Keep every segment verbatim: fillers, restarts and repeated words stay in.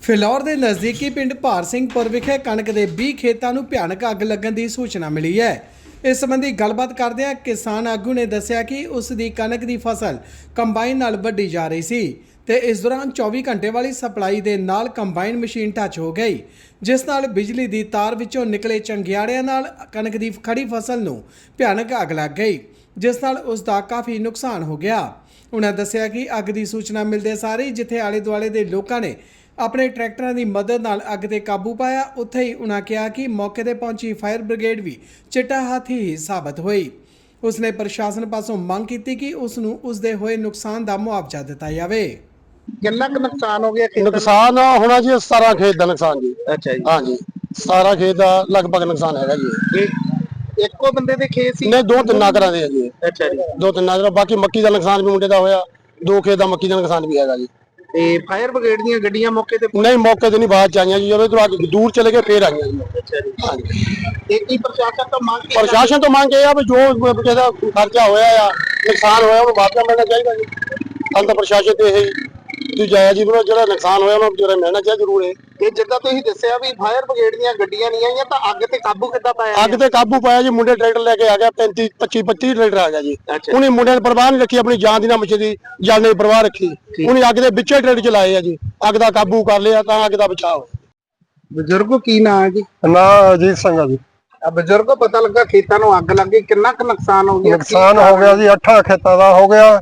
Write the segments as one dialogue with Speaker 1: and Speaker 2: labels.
Speaker 1: ਫਿਲੌਰ ਦੇ ਨਜ਼ਦੀਕੀ ਪਿੰਡ ਭਾਰ ਸਿੰਘਪੁਰ ਵਿਖੇ ਕਣਕ ਦੇ ਵੀਹ ਖੇਤਾਂ ਨੂੰ ਭਿਆਨਕ ਅੱਗ ਲੱਗਣ ਦੀ ਸੂਚਨਾ ਮਿਲੀ ਹੈ। ਇਸ ਸੰਬੰਧੀ ਗੱਲਬਾਤ ਕਰਦਿਆਂ ਕਿਸਾਨ ਆਗੂ ਨੇ ਦੱਸਿਆ ਕਿ ਉਸ ਦੀ ਕਣਕ ਦੀ ਫਸਲ ਕੰਬਾਈਨ ਨਾਲ ਵੱਢੀ ਜਾ ਰਹੀ ਸੀ ਤੇ ਇਸ ਦੌਰਾਨ ਚੌਵੀ ਘੰਟੇ ਵਾਲੀ ਸਪਲਾਈ ਦੇ ਨਾਲ ਕੰਬਾਈਨ ਮਸ਼ੀਨ ਟੱਚ ਹੋ ਗਈ, ਜਿਸ ਨਾਲ ਬਿਜਲੀ ਦੀ ਤਾਰ ਵਿੱਚੋਂ ਨਿਕਲੇ ਚੰਗਿਆੜਿਆਂ ਨਾਲ ਕਣਕ ਦੀ ਖੜੀ ਫਸਲ ਨੂੰ ਭਿਆਨਕ ਅੱਗ ਲੱਗ ਗਈ, ਜਿਸ ਨਾਲ ਉਸ ਦਾ ਕਾਫੀ ਨੁਕਸਾਨ ਹੋ ਗਿਆ। ਉਹਨਾਂ ਦੱਸਿਆ ਕਿ ਅੱਗ ਦੀ ਸੂਚਨਾ ਮਿਲਦੇ ਸਾਰ ਹੀ ਜਿੱਥੇ ਆਲੇ ਦੁਆਲੇ ਦੇ ਲੋਕਾਂ ਨੇ ਆਪਣੇ ਟਰੈਕਟਰਾਂ ਦੀ ਮਦਦ ਨਾਲ ਅੱਗ ਤੇ ਕਾਬੂ ਪਾਇਆ, ਉੱਥੇ ਹੀ ਉਹਨਾਂ ਕਿਹਾ ਕਿ ਮੌਕੇ ਤੇ ਪਹੁੰਚੀ ਫਾਇਰ ਬ੍ਰਿਗੇਡ ਵੀ ਚਿੱਟਾ ਹਾਥੀ ਹੀ ਸਾਬਤ ਹੋਈ। ਉਸਨੇ ਪ੍ਰਸ਼ਾਸਨ ਪਾਸੋਂ ਮੰਗ ਕੀਤੀ ਕਿ ਉਸ ਨੂੰ ਉਸਦੇ ਹੋਏ ਨੁਕਸਾਨ ਦਾ ਮੁਆਵਜ਼ਾ ਦਿੱਤਾ ਜਾਵੇ।
Speaker 2: ਕਿੰਨਾ ਕੁ ਨੁਕਸਾਨ ਹੋ ਗਿਆ ਖੇਤਾਂ ਦਾ?
Speaker 3: ਨੁਕਸਾਨ ਹੋਣਾ ਜੀ ਸਤਾਰਾਂ ਖੇਤ ਦਾ ਨੁਕਸਾਨ ਜੀ।
Speaker 2: ਅੱਛਾ ਜੀ।
Speaker 3: ਹਾਂਜੀ ਸਤਾਰਾਂ ਖੇਤ ਦਾ ਲਗਭਗ ਨੁਕਸਾਨ ਹੈਗਾ ਜੀ।
Speaker 2: ਇਹ ਇੱਕੋ ਬੰਦੇ ਦੇ ਖੇਤ ਸੀ?
Speaker 3: ਨਹੀਂ, ਦੋ ਤਿੰਨ ਘਰਾਂ ਦੇ ਆ ਜੀ।
Speaker 2: ਅੱਛਾ ਜੀ।
Speaker 3: ਦੋ ਤਿੰਨ ਘਰਾਂ, ਬਾਕੀ ਮੱਕੀ ਦਾ ਨੁਕਸਾਨ ਵੀ ਮੁੰਡੇ ਦਾ ਹੋਇਆ, ਦੋ ਖੇਤ ਦਾ ਮੱਕੀ ਦਾ ਨੁਕਸਾਨ ਵੀ ਹੈਗਾ ਜੀ।
Speaker 2: ਤੇ ਫਾਇਰ ਬ੍ਰਿਗੇਡ ਦੀਆਂ ਗੱਡੀਆਂ ਮੌਕੇ ਤੇ
Speaker 3: ਨਹੀਂ, ਮੌਕੇ ਤੇ ਨਹੀਂ, ਬਾਅਦ ਚ ਆਈਆਂ ਜੀ, ਜਦੋਂ ਤੋਂ ਅੱਗੇ ਦੂਰ ਚਲੇ ਗਏ ਫੇਰ ਆਈਆਂ ਜੀ।
Speaker 2: ਅੱਛਾ ਜੀ। ਹਾਂਜੀ। ਇਹ ਕੀ ਪ੍ਰਸ਼ਾਸਨ ਤੋਂ ਮੰਗ ਕੀ?
Speaker 3: ਪ੍ਰਸ਼ਾਸਨ ਤੋਂ ਮੰਗ ਇਹ ਆ ਵੀ ਜੋ ਕਿਸੇ ਦਾ ਖਰਚਾ ਹੋਇਆ ਆ, ਨੁਕਸਾਨ ਹੋਇਆ, ਉਹਨੂੰ ਮੁਆਵਜ਼ਾ ਮਿਲਣਾ ਚਾਹੀਦਾ ਜੀ। ਹਾਲ ਤਾਂ ਪ੍ਰਸ਼ਾਸਨ ਤੇ ਇਹ ਜੀ ਜਾਇਆ ਜੀ, ਜਿਹੜਾ ਨੁਕਸਾਨ ਹੋਇਆ ਉਹਨੂੰ ਜਿਹੜਾ ਮਿਲਣਾ ਚਾਹੀਦਾ ਜ਼ਰੂਰ ਹੈ।
Speaker 2: ਤੇ ਜਿੱਦਾਂ ਤੁਸੀਂ ਦੱਸਿਆ ਵੀ ਫਾਇਰ ਬ੍ਰਿਗੇਡ ਦੀਆਂ ਗੱਡੀਆਂ ਨਹੀਂ ਆਈਆਂ, ਤਾਂ ਅੱਗ ਤੇ ਕਾਬੂ ਕਿੱਦਾਂ ਪਾਇਆ?
Speaker 3: ਅੱਗ ਤੇ ਕਾਬੂ ਪਾਇਆ ਜੀ, ਮੁੰਡੇ ਟਰੈਕਟਰ ਲੈ ਕੇ ਆ ਗਿਆ, ਪੈਂਤੀ ਪੱਚੀ ਪੱਚੀ ਟਰੈਕਟਰ ਆ ਗਿਆ ਜੀ।
Speaker 2: ਅੱਛਾ।
Speaker 3: ਉਹਨੇ ਮੁੰਡਿਆਂ ਨੇ ਪਰਵਾਹ ਨਹੀਂ ਰੱਖੀ, ਆਪਣੀ ਜਾਨ ਦੀ ਨਾ ਮੱਛੀ ਜਾਨ ਦੀ ਪਰਵਾਹ ਰੱਖੀ, ਉਹਨੇ ਅੱਗ ਦੇ ਵਿੱਚੇ ਟਰੈਕਟਰ ਚਲਾਏ ਆ ਜੀ, ਅੱਗ ਦਾ ਕਾਬੂ ਕਰ ਲਿਆ, ਤਾਂ ਅੱਗ ਦਾ ਬਚਾਅ ਹੋਇਆ।
Speaker 2: ਬਜ਼ੁਰਗੋ ਕੀ ਨਾਂ ਹੈ ਜੀ?
Speaker 3: ਨਾ ਅਜੀਤ ਸਿੰਘ ਆ ਜੀ।
Speaker 2: ਆ ਬਜ਼ੁਰਗੋ ਪਤਾ ਲੱਗਾ ਖੇਤਾਂ ਨੂੰ ਅੱਗ ਲੱਗ ਗਈ, ਕਿੰਨਾ ਕੁ ਨੁਕਸਾਨ ਹੋ ਗਿਆ?
Speaker 3: ਨੁਕਸਾਨ ਹੋ ਗਿਆ ਜੀ, ਅੱਠਾਂ ਖੇਤਾਂ ਦਾ ਹੋ ਗਿਆ,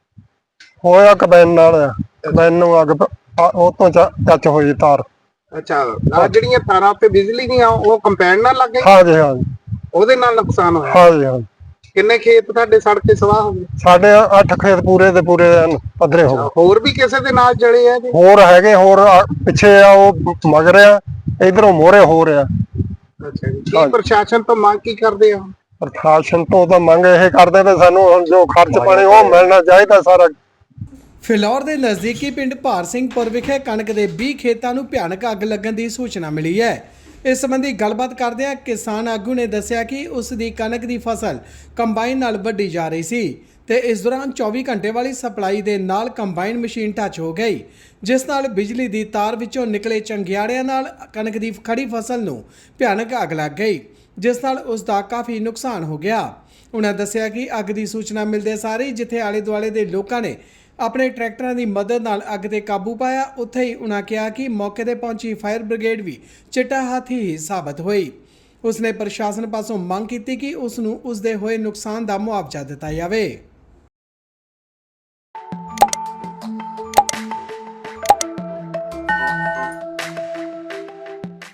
Speaker 3: ਹੋਇਆ ਕਬੈਨ ਨਾਲ ਆ, ਕਬੈਨ ਨੂੰ ਅੱਗ ਪ- ਆ- ਉਹ ਤੋਂ ਟੱਚ ਹੋਈ ਤਾਰ।
Speaker 2: ਅੱਛਾ, ਆ ਜਿਹੜੀਆਂ ਤਾਰਾਂ ਉੱਤੇ ਬਿਜਲੀ ਦੀਆਂ ਉਹ ਕੰਪੈਨ ਨਾਲ ਲੱਗ ਗਈ,
Speaker 3: ਹਾਂਜੀ ਹਾਂਜੀ
Speaker 2: ਉਹਦੇ ਨਾਲ ਨੁਕਸਾਨ ਹੋਇਆ?
Speaker 3: ਹਾਂਜੀ ਹਾਂਜੀ
Speaker 2: ਕਿੰਨੇ ਖੇਤ ਤੁਹਾਡੇ ਸੜ ਕੇ ਸਵਾਹ ਹੋ ਗਏ?
Speaker 3: ਸਾਡੇ ਅੱਠ ਖੇਤ ਪੂਰੇ ਦੇ ਪੂਰੇ ਐਨ ਪੱਧਰੇ ਹੋ ਗਏ।
Speaker 2: ਹੋਰ ਵੀ ਕਿਸੇ ਦੇ ਨਾਲ ਜਲੇ ਆ ਜੀ?
Speaker 3: ਹੋਰ ਹੈਗੇ, ਹੋਰ ਆ- ਪਿੱਛੇ ਆ, ਉਹ ਮਗਰ ਆ, ਇਧਰੋਂ ਮੋਹਰੇ ਹੋ ਰਿਹਾ।
Speaker 2: ਅੱਛਾ ਜੀ। ਕੀ ਪ੍ਰਸ਼ਾਸਨ ਤੋਂ ਮੰਗ ਕੀ ਕਰਦੇ ਆ?
Speaker 3: ਪ੍ਰਸ਼ਾਸਨ ਤੋਂ ਤਾਂ ਮੰਗ ਇਹ ਕਰਦੇ ਵੀ ਸਾਨੂੰ ਹੁਣ ਜੋ ਖਰਚ ਪਾਣੀ ਉਹ ਮਿਲਣਾ ਚਾਹੀਦਾ ਸਾਰਾ।
Speaker 1: ਫਿਲੌਰ ਦੇ ਨਜ਼ਦੀਕੀ ਪਿੰਡ ਭਾਰ ਸਿੰਘਪੁਰ ਵਿਖੇ ਕਣਕ ਦੇ ਵੀਹ ਖੇਤਾਂ ਨੂੰ ਭਿਆਨਕ ਅੱਗ ਲੱਗਣ ਦੀ ਸੂਚਨਾ ਮਿਲੀ ਹੈ। ਇਸ ਸੰਬੰਧੀ ਗੱਲਬਾਤ ਕਰਦਿਆਂ ਕਿਸਾਨ ਆਗੂ ਨੇ ਦੱਸਿਆ ਕਿ ਉਸ ਦੀ ਕਣਕ ਦੀ ਫਸਲ ਕੰਬਾਈਨ ਨਾਲ ਵੱਢੀ ਜਾ ਰਹੀ ਸੀ ਤੇ ਇਸ ਦੌਰਾਨ ਚੌਵੀ ਘੰਟੇ ਵਾਲੀ ਸਪਲਾਈ ਦੇ ਨਾਲ ਕੰਬਾਈਨ ਮਸ਼ੀਨ ਟੱਚ ਹੋ ਗਈ, ਜਿਸ ਨਾਲ ਬਿਜਲੀ ਦੀ ਤਾਰ ਵਿੱਚੋਂ ਨਿਕਲੇ ਚੰਗਿਆੜਿਆਂ ਨਾਲ ਕਣਕ ਦੀ ਖੜੀ ਫਸਲ ਨੂੰ ਭਿਆਨਕ ਅੱਗ ਲੱਗ ਗਈ, ਜਿਸ ਨਾਲ ਉਸ ਦਾ ਕਾਫੀ ਨੁਕਸਾਨ ਹੋ ਗਿਆ। ਉਹਨਾਂ ਦੱਸਿਆ ਕਿ ਅੱਗ ਦੀ ਸੂਚਨਾ ਮਿਲਦੇ ਸਾਰ ਹੀ ਜਿੱਥੇ ਆਲੇ ਦੁਆਲੇ ਦੇ ਲੋਕਾਂ ਨੇ ਆਪਣੇ ਟਰੈਕਟਰਾਂ ਦੀ ਮਦਦ ਨਾਲ ਅੱਗ ਤੇ ਕਾਬੂ ਪਾਇਆ, ਉੱਥੇ ਹੀ ਉਹਨਾਂ ਕਿਹਾ ਕਿ ਮੌਕੇ ਤੇ ਪਹੁੰਚੀ ਫਾਇਰ ਬ੍ਰਿਗੇਡ ਵੀ ਚਿੱਟਾ ਹਾਥੀ ਹੀ ਸਾਬਤ ਹੋਈ। ਉਸਨੇ ਪ੍ਰਸ਼ਾਸਨ ਪਾਸੋਂ ਮੰਗ ਕੀਤੀ ਕਿ ਉਸ ਨੂੰ ਉਸਦੇ ਹੋਏ ਨੁਕਸਾਨ ਦਾ ਮੁਆਵਜ਼ਾ ਦਿੱਤਾ ਜਾਵੇ।